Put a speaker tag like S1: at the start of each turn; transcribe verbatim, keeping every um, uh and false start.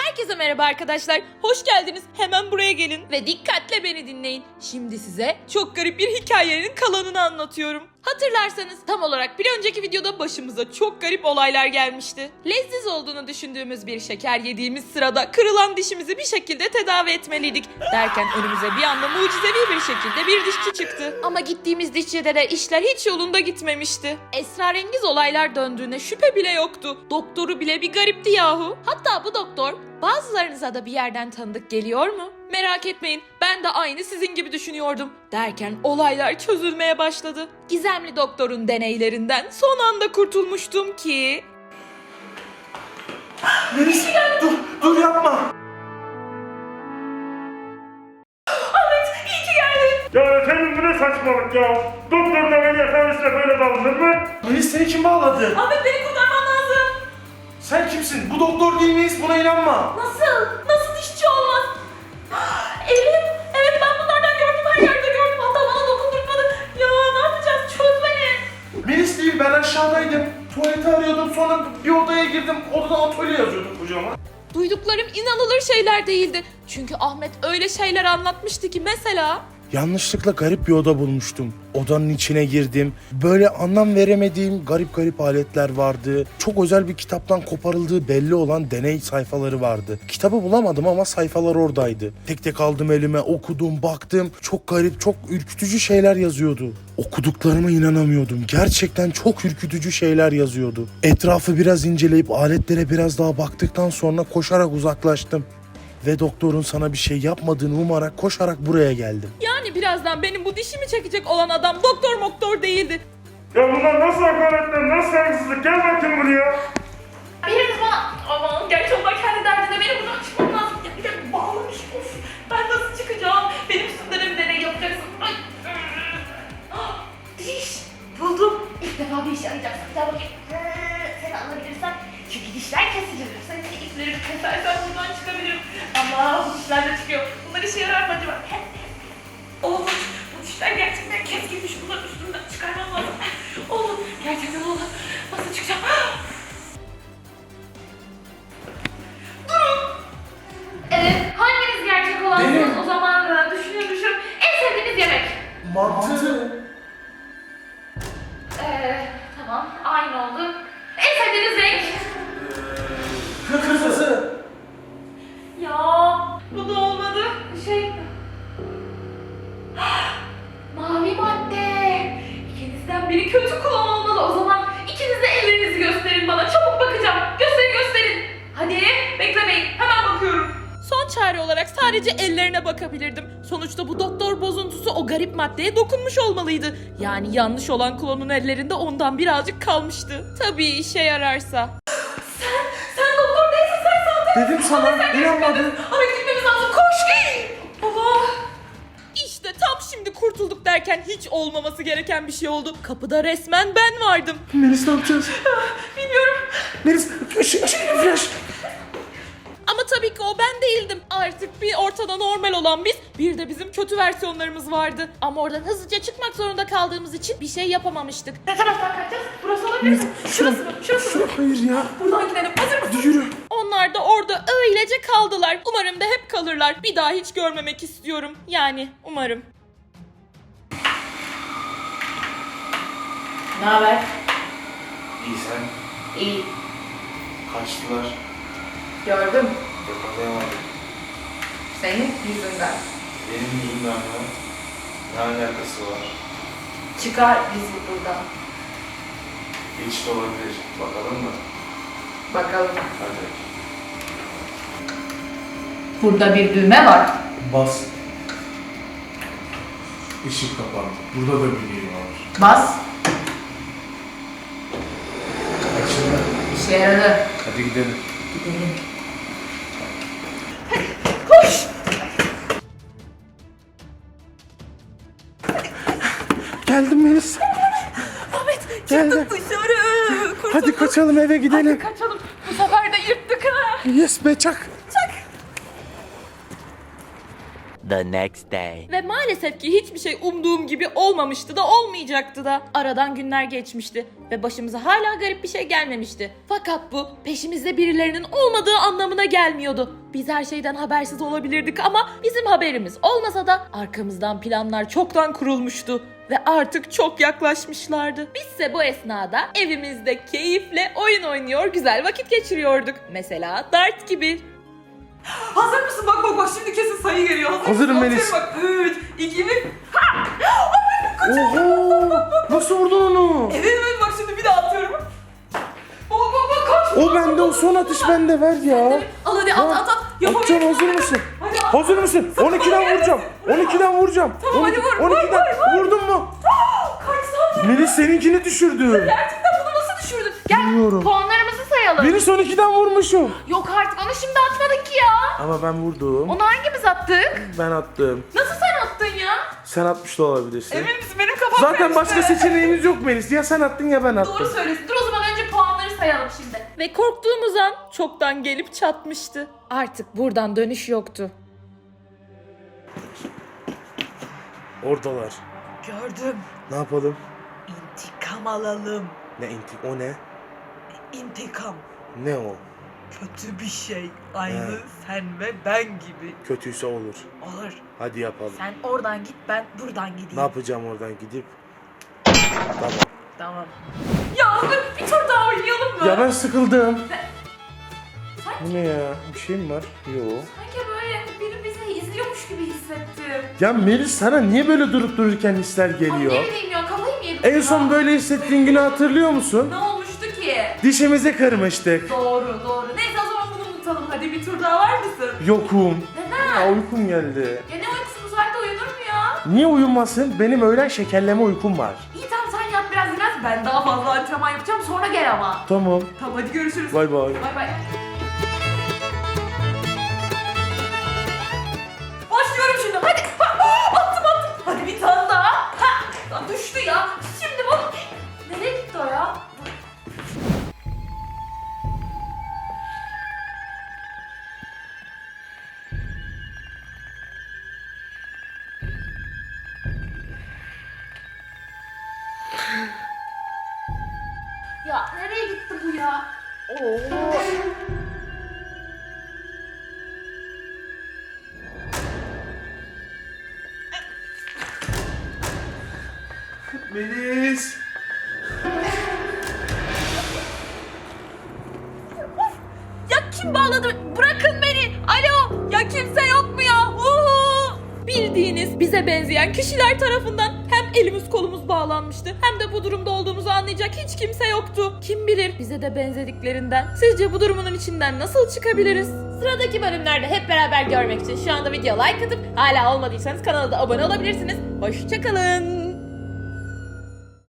S1: Herkese merhaba arkadaşlar. Hoş geldiniz. Hemen buraya gelin ve dikkatle beni dinleyin. Şimdi size çok garip bir hikayenin kalanını anlatıyorum. Hatırlarsanız tam olarak bir önceki videoda başımıza çok garip olaylar gelmişti. Lezzetli olduğunu düşündüğümüz bir şeker yediğimiz sırada kırılan dişimizi bir şekilde tedavi etmeliydik. Derken önümüze bir anda mucizevi bir şekilde bir dişçi çıktı. Ama gittiğimiz dişçide de işler hiç yolunda gitmemişti. Esrarengiz olaylar döndüğüne şüphe bile yoktu. Doktoru bile bir garipti yahu. Hatta bu doktor bazılarınıza da bir yerden tanıdık geliyor mu? Merak etmeyin, ben de aynı sizin gibi düşünüyordum. Derken olaylar çözülmeye başladı. Gizemli doktorun deneylerinden son anda kurtulmuştum ki...
S2: Melis, dur, dur yapma.
S1: Ahmet, iyi ki geldin.
S3: Ya efendim bu ne saçmalık ya? Doktorun ameliyat hanesine böyle davranır mı?
S2: Melis seni kim bağladı?
S1: Ahmet, beni kurtarman lazım.
S2: Sen kimsin? Bu doktor değil miyiz? Buna inanma.
S1: Nasıl? Nasıl dişçi olmaz? Elim, evet ben bunlardan gördüm, her yerde gördüm. Hatta bana dokundurtmadı. Ya ne yapacağız? Çöz beni.
S2: Melis değil, ben aşağıdaydım. Tuvaleti arıyordum, sonra bir odaya girdim. Odada atölye yazıyordum kocaman.
S1: Duyduklarım inanılır şeyler değildi. Çünkü Ahmet öyle şeyler anlatmıştı ki mesela...
S4: Yanlışlıkla garip bir oda bulmuştum. Odanın içine girdim. Böyle anlam veremediğim garip garip aletler vardı. Çok özel bir kitaptan koparıldığı belli olan deney sayfaları vardı. Kitabı bulamadım ama sayfalar oradaydı. Tek tek aldım elime, okudum, baktım. Çok garip, çok ürkütücü şeyler yazıyordu. Okuduklarıma inanamıyordum. Gerçekten çok ürkütücü şeyler yazıyordu. Etrafı biraz inceleyip aletlere biraz daha baktıktan sonra koşarak uzaklaştım. Ve doktorun sana bir şey yapmadığını umarak koşarak buraya geldim.
S1: Yani birazdan benim bu dişimi çekecek olan adam doktor moktor değildi.
S3: Ya bunlar nasıl hakaretler, nasıl saygısızlık? Gel bakayım buraya.
S1: Biriniz bana... Aman gerçi onlar kendi derdinde, benim buradan çıkmam lazım. Ya bir de bağlamış, of. Ben nasıl çıkacağım? Benim üstümde de bir deney yapacaksın. Ay. Ah, diş. Buldum. İlk defa bir işe yarayacaksın. Gel bakayım. Seni alabilirsem. Çünkü dişler kesilir. Sen de ipleri kesersen buradan çıkabilirim. Ama bu dişler de çıkıyor. Bunlar işe yarar mı acaba? Oğlum, bu dişler gerçekten keskinmiş. Bunların üstünden çıkarmam lazım. Oğlum, gerçekten oğlum. Nasıl çıkacağım? Durun. Evet, hanginiz gerçek olansınız?
S2: Benim.
S1: O zaman e, düşünüyorum. En sevdiğiniz yemek.
S2: Mantı.
S1: Ee, tamam, aynı oldu. En sevdiğiniz renk?
S2: Kırmızı.
S1: Ya, bu da olmadı. Şey... Mavi madde. İkinizden biri kötü kullan olmalı. O zaman ikiniz de ellerinizi gösterin bana. Çabuk bakacağım. Gösterin gösterin. Hadi beklemeyin. Hemen bakıyorum. Son çare olarak sadece ellerine bakabilirdim. Sonuçta bu doktor bozuntusu o garip maddeye dokunmuş olmalıydı. Yani yanlış olan klonun ellerinde ondan birazcık kalmıştı. Tabii işe yararsa. Sen, sen doktor değilsin, sen sahte.
S2: Dedim sana, inanmadın.
S1: Ahmet, gitmemiz lazım, koş. Allah. İşte tam şimdi kurtulduk derken hiç olmaması gereken bir şey oldu. Kapıda resmen ben vardım.
S2: Melis ne yapacağız?
S1: Bilmiyorum.
S2: Melis, ışık, ışık, flash.
S1: Ama tabii ki o ben değildim. Artık bir ortada normal olan biz, bir de bizim kötü versiyonlarımız vardı. Ama oradan hızlıca çıkmak zorunda kaldığımız için bir şey yapamamıştık. Ne taraftan kaçacağız? Burası olabilir mi? Şurası mı? Şurası mı?
S2: Hayır ya.
S1: Buradan gidelim. Hazır mısın?
S2: Hadi yürü.
S1: Onlar da orada öylece kaldılar. Umarım da hep kalırlar. Bir daha hiç görmemek istiyorum. Yani umarım. Ne haber?
S2: İyi sen.
S1: İyi.
S2: Kaçtılar.
S1: Gördüm.
S2: Yakalayamadım.
S1: Senin yüzünden.
S2: Benim yüzümden mi? Ne alakası var?
S1: Çıkar bizi buradan.
S2: Hiç de olabilir. Bakalım mı?
S1: Bakalım.
S2: Hadi.
S1: Burada bir düğme var.
S2: Bas. Işık kapandı. Burada da bir düğme var.
S1: Bas.
S2: Açıldı.
S1: İşe yaradı.
S2: Hadi gidelim.
S1: Gidelim. Koş.
S4: Geldim Melis.
S1: Ahmet,
S4: Geldim.
S1: çıktık dışarı. Kurtulduk.
S4: Hadi kaçalım, eve gidelim.
S1: Hadi kaçalım. Bu sefer de yırttık ha.
S4: Yes be çak.
S5: the next day.
S1: Ve maalesef ki hiçbir şey umduğum gibi olmamıştı da olmayacaktı da. Aradan günler geçmişti ve başımıza hala garip bir şey gelmemişti. Fakat bu peşimizde birilerinin olmadığı anlamına gelmiyordu. Biz her şeyden habersiz olabilirdik ama bizim haberimiz olmasa da arkamızdan planlar çoktan kurulmuştu. Ve artık çok yaklaşmışlardı. Bizse bu esnada evimizde keyifle oyun oynuyor, güzel vakit geçiriyorduk. Mesela dart gibi. Hazır mısın? Bak bak bak, şimdi kesin sayı geliyor. Hazır
S4: Hazırım
S1: mısın?
S4: Melis.
S1: Bak üç, iki, bir.
S4: Oho! Nasıl vurdun onu?
S1: Evet evet, bak şimdi bir daha atıyorum. Bak bak bak, kaç.
S4: O bende, o son atış bende, ver ya.
S1: Al hadi at at at.
S4: Atacağım, hazır mısın?
S1: Hadi at.
S4: Hazır mısın? on ikiden vuracağım. on ikiden vuracağım.
S1: Tamam, hadi vur,
S4: on ikiden
S1: vur,
S4: vurdun mu?
S1: Kaç saniye?
S4: Melis seninkini düşürdü.
S1: Gerçekten bunu nasıl düşürdün? Gel
S4: Bilmiyorum.
S1: puanlarımızı sayalım.
S4: Beni son ikiden vurmuşum.
S1: Yok artık, onu şimdi atmadık ki ya.
S4: Ama ben vurdum.
S1: Onu hangimiz attık?
S4: Ben attım.
S1: Nasıl sen attın ya?
S4: Sen atmış da olabilirsin.
S1: Emin misin? Benim kafam
S4: Zaten
S1: karıştı.
S4: başka seçeneğimiz yok Melis. Ya sen attın ya ben
S1: Doğru
S4: attım.
S1: söylüyorsun. Dur o zaman önce puanları sayalım şimdi. Ve korktuğumuz an çoktan gelip çatmıştı. Artık buradan dönüş yoktu.
S4: Oradalar.
S6: Gördüm.
S4: Ne yapalım?
S6: İntikam alalım.
S4: Ne intik? O ne?
S6: İntikam.
S4: Ne o?
S6: Kötü bir şey. Aynı
S4: He.
S6: sen ve ben gibi.
S4: Kötüyse olur.
S6: Olur.
S4: Hadi yapalım.
S6: Sen oradan git, ben buradan gideyim.
S4: Ne yapacağım oradan gidip? Tamam.
S6: Tamam.
S1: Ya dur, bir tur daha oynayalım mı?
S4: Ya ben sıkıldım.
S1: Sanki,
S4: Bu ne ya? Bir şey mi var? Yok.
S1: sanki böyle biri bizi izliyormuş gibi hissettim.
S4: Ya Melis, sana niye böyle durup dururken hisler
S1: Ay
S4: geliyor?
S1: ne bileyim ya, kafayı mı yedim?
S4: En
S1: ya?
S4: son böyle hissettiğin günü hatırlıyor musun?
S1: Ne olmuştu ki?
S4: Dişimizi kırmıştık.
S1: Doğru doğru. Neyse o zaman bunu unutalım. Hadi bir tur daha var mısın?
S4: Yokum.
S1: Neden?
S4: Ya uykum geldi.
S1: Ya ne uykusu, bu saatte uyunur mu ya?
S4: Niye uyumasın? Benim öğlen şekerleme uykum var.
S1: İyi tamam, sen yat biraz dinlen. Ben daha fazla antrenman yapacağım, sonra gel ama.
S4: Tamam.
S1: Tamam hadi görüşürüz.
S4: Bay bay.
S1: Bay bay. Başlıyorum şimdi. Hadi. Ha, attım attım. Hadi bir tane daha. Ha, ya düştü ya. Şimdi bu. Nereye gitti o ya? Ya nereye gitti bu ya?
S4: Melis.
S1: Ya kim bağladı? Bırakın beni. Alo. Ya kimse yok mu ya? Uhu. Bildiğiniz bize benzeyen kişiler tarafından hem elimiz kolumuz bağlanmıştı hem de bu durumda olduğumuzu anlayacak hiç kimse yoktu. Kim bilir bize de benzediklerinden. Sizce bu durumun içinden nasıl çıkabiliriz? Sıradaki bölümlerde hep beraber görmek için şu anda video like atıp hala olmadıysanız kanala da abone olabilirsiniz. Hoşçakalın.